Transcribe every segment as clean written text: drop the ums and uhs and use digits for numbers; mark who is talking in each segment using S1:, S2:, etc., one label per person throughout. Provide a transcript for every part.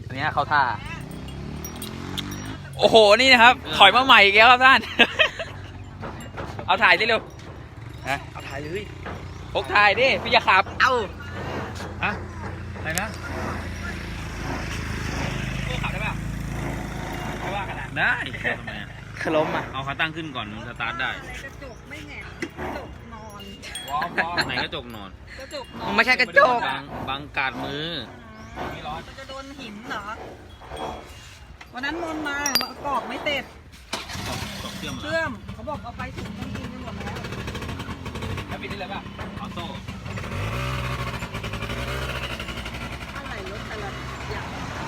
S1: อันนี้เข้าท่าโอ้โหนี่นะครับถอยมาใหม่อีกแล้วครับท่าน เอาถ่ายดิเร็วเอาถ่ายเลยพกถ่ายดิพี่จะขับเอาฮะอะไรนะพวกขับได้ป่ะไม่ว่ากันนะได้ขล้มอ่ะเอาขาตั้งขึ้นก่อนสตาร์ทได้
S2: กระจกไม่แหงกระจกนอน
S1: ไหนกระจกนอน
S2: กระจกนอน
S3: ไม่ใช่กระจก
S1: บังกาดมือ
S2: มันจะโดนหินเหรอวันนั้นมนมากรอกไม่เสร็จเชื่อมเขาบอกเอาไปถึงต้องกินกันหมดแล้ว
S1: ปิดได้เลยป่ะออโต้
S2: อะไรรถแต่ละอย่าง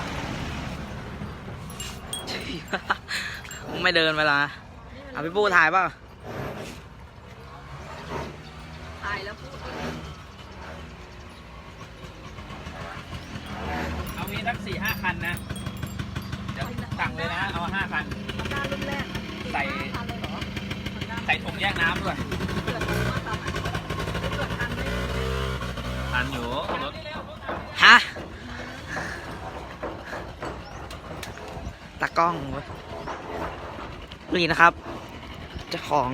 S3: ไม่เดินเวลาเอาพี่ปูถ่ายเปล่า
S2: ถ่ายแล้วพูด
S1: เอามีทั้ง4-5 คันนะเดี๋ยวสั่งเลยนะเอา5 คัน
S2: การรุ่นแรก
S1: ใส่ถุงแยกน้ำด้วย
S2: เกิดมาตอนไหนเกิดทันไหม
S1: ทันอยู่รถ
S3: ฮะตากล้องเว้ยนี่นะครับเจ้าของ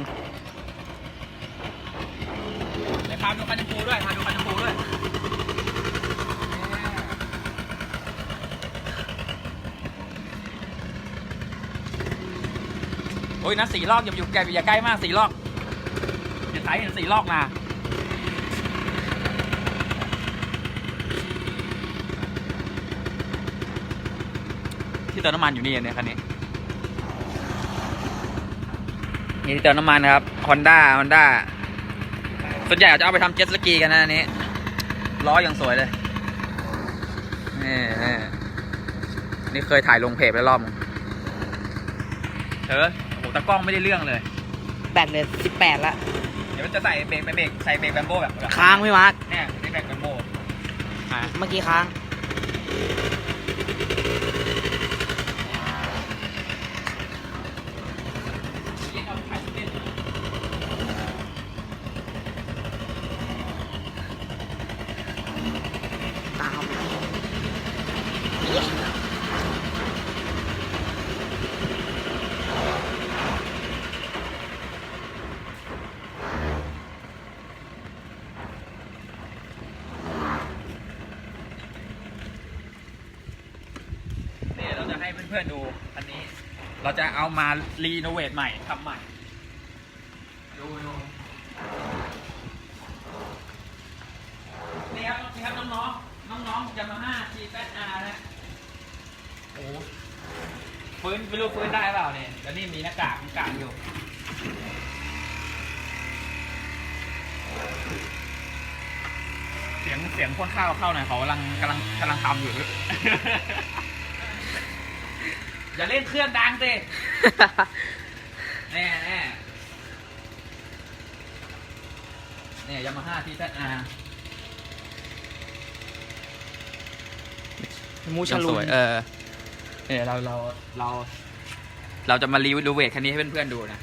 S1: เดี๋ยวพาดูคันชมพูด้วยพาดูคันชมพูด้วยโอ้ยนะ4 ลอกอย่าใกล้มาก4 ลอกอย่าใส่เห็น4 ลอกนะที่เติมน้ำมันอยู่นี่เนี่ยคันนี้นี่ที่เติมน้ำมันนะครับ Honda ส่วนใหญ่จะเอาไปทำเจ็ตสกีกันนะอันนี้ล้ออย่างสวยเลยนี่เคยถ่ายลงเพจไปรอบโอ้โหตากล้องไม่ได้เรื่องเลย
S3: แบตเลย18ละ
S1: เดี๋ยวมันจะใส่เบรกแบมโบ้แบบ
S3: ค้างพี่มาร์ค
S1: เนี่ยนี่เบรกแบมโบ้
S3: เมื่อกี้ค้างตาม
S1: เราจะให้เพื่อนๆดูอันนี้เราจะเอามารีโนเวทใหม่ทำใหม่ดูนี่ครับน้องๆYamaha GZR นะโอ้ฟื้นไม่รู้ฟื้นได้เปล่าเนี่ยแล้วนี่มีหน้ากากอยู่เสียงพ่นข้าวเข้าหน่อยเขากำลังทำอยู่ อย่าเล่นเครื่องดังสิแน่เนี่ยYamaha GZR
S3: มูชาลุน
S1: เนี่ยเราจะมารีวิวเวทคันนี้ให้เพื่อนๆดูนะ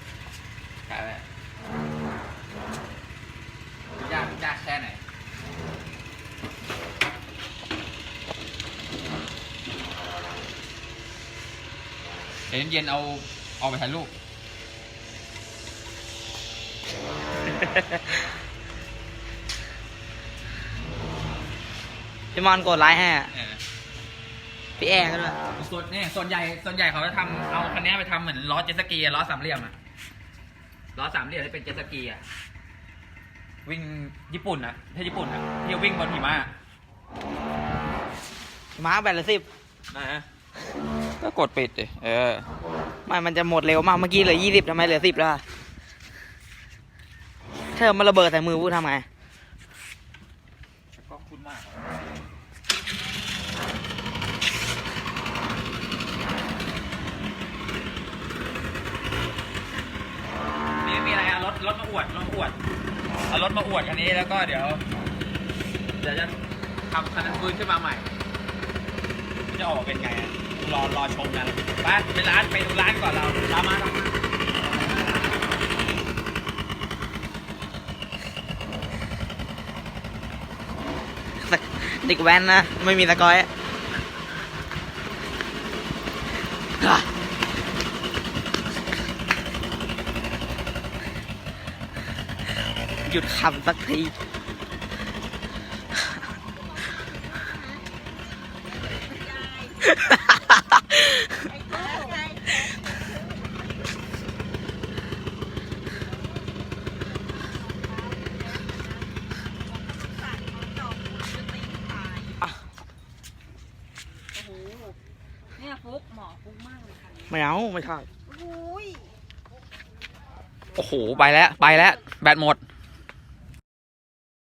S1: ยากแค่ไหนเย็นเอาไปถ่ายรูป
S3: พี่มอนกดไลค์ให้พี่แอร์ก็ด้วย
S1: ส่วนใหญ่เขาจะทำเอาคันนี้ไปทำเหมือนล้อเจ็ตสกีล้อ3 เหลี่ยมล้อ3 เหลี่ยมที่เป็นเจ็ตสกีวิ่งญี่ปุ่นที่ญี่ปุ่นที่วิ่งบนหิมะ
S3: มาร์คแบตละ10
S1: นะก็กดปิดดิ
S3: ไม่มันจะหมดเร็วมากเมื่อกี้เหลือ20ทำไมเหลือ10แล้วเธอมันระเบิดใส่มือพูดทำไง
S1: ก็คุ้นมากมีอะไรรถมาอวดเอารถมาอวดคันนี้แล้วก็เดี๋ยวจะทำคันนั้นฟื้นขึ้นมาใหม่จะออกเป็นไงรอชมกันไปดูร้านก่อนเราตามมา
S3: เด็กแว้นนะไม่มีตะกอยหยุดขำสักที
S2: ไอ้ตู้ไงโอ้โหเนี่ยฟุกหมอฟุกมากเลยค่ะ
S3: ไม่เอาไม่ใช่
S2: โอ้ย
S1: โอ้โห ไปแล้ว แบตหมด